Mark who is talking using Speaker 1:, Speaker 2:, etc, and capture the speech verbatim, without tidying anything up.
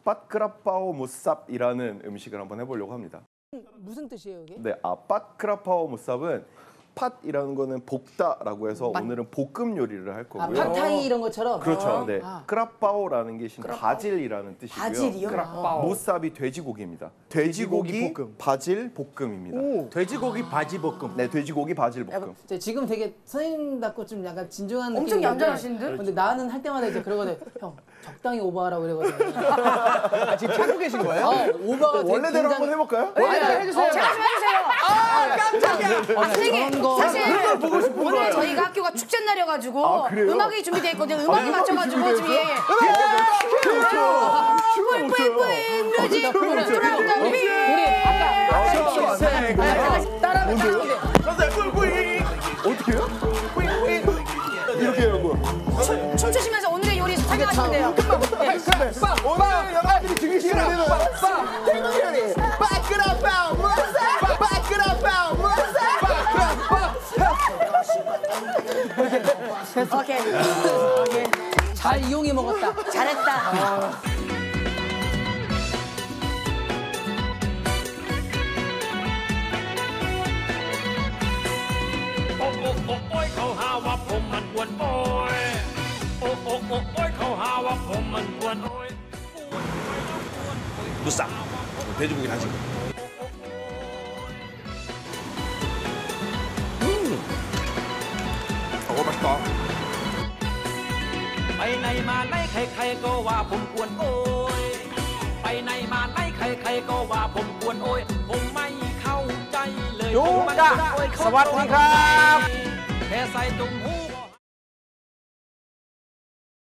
Speaker 1: 빠크라파오 무쌉이라는 음식을 한번 해보려고 합니다.
Speaker 2: 무슨 뜻이에요, 이게?
Speaker 1: 네, 아 빠크라파오 무쌉은 팥이라는 거는 볶다라고 해서
Speaker 2: 맛.
Speaker 1: 오늘은 볶음 요리를 할
Speaker 2: 아,
Speaker 1: 거고요.
Speaker 2: 팟타이 이런 것처럼?
Speaker 1: 그렇죠.
Speaker 2: 아.
Speaker 1: 네,
Speaker 2: 아.
Speaker 1: 크라파오라는 게 신 바질이라는 뜻이고요.
Speaker 2: 바질이요?
Speaker 1: 크라파오. 무쌉이 돼지고기입니다. 돼지고기,
Speaker 3: 돼지고기 볶음.
Speaker 1: 바질 볶음입니다.
Speaker 3: 오.
Speaker 4: 돼지고기 바지 볶음.
Speaker 1: 네, 돼지고기 바질 볶음.
Speaker 2: 약간 저 지금 되게 선생님답고 좀 약간 진중한 느낌이
Speaker 5: 엄청
Speaker 2: 있는데
Speaker 5: 얌전하신 듯?
Speaker 2: 근데 나는 할 때마다 이제 그러거든. 형, 적당히 오버하라고 그러거든.
Speaker 3: 아, 지금 찾고 계신 거예요?
Speaker 2: 어, 오버가 되게
Speaker 1: 원래대로
Speaker 2: 굉장히-
Speaker 1: 한번 해볼까요?
Speaker 2: 아니, 아니,
Speaker 3: 해주세요.
Speaker 5: 제가 좀 해주세요.
Speaker 3: 아, 깜짝이야.
Speaker 2: 아,
Speaker 5: 선생님,
Speaker 2: 저런 거.
Speaker 5: 사실
Speaker 1: 그걸 보고 싶은
Speaker 5: 오늘
Speaker 1: 거예요.
Speaker 5: 저희가 학교가 축제 날이어가지고
Speaker 1: 아, 그래요?
Speaker 5: 음악이 준비되어 있거든요. 음악이
Speaker 1: 음악이
Speaker 5: 맞춰가지고 지금
Speaker 1: 준비되어
Speaker 5: 예, 예.
Speaker 1: 춤을 못 춰요.
Speaker 5: 뮤직
Speaker 1: 춤을 못 춰요.
Speaker 2: 우리, 우리 아까
Speaker 1: 아, 춤안 돼.
Speaker 2: 따라하면 따라하면
Speaker 1: 어떻게 해요? 이렇게 해요, 뭐.
Speaker 5: 춤, 춤추시면서 오늘의 요리 설명하시면 돼요.
Speaker 1: 오늘 여러분들이 즐기시는 데는
Speaker 3: 태국 요리. 빠끄라빵 무쌉. 빠끄라빵 무쌉.
Speaker 5: 오케이.
Speaker 2: 잘 이용해 먹었다.
Speaker 5: 잘했다.
Speaker 6: โอ้โอ้โอ้โอ้ยเขาหาว่าผมมันกวนโอ้ยโอ้โอ้โอ้โอ้ยเขาหาว่าผมมันกวนโอ้ย
Speaker 4: 무쌈. 돼지고기 다진 거. 음. 어, 맛있다.
Speaker 6: ไปไหนมาไหนใครๆก็ว่าผมกวนโอ้ยไปไหนมาไหนใครๆก็ว่าผมกวนโอ้ยผมไม่เข้าใจเลย
Speaker 3: โยกะ
Speaker 6: โอ้ยเขา
Speaker 3: สวัสดีครับ
Speaker 6: แค่ใส่ตุ่มหู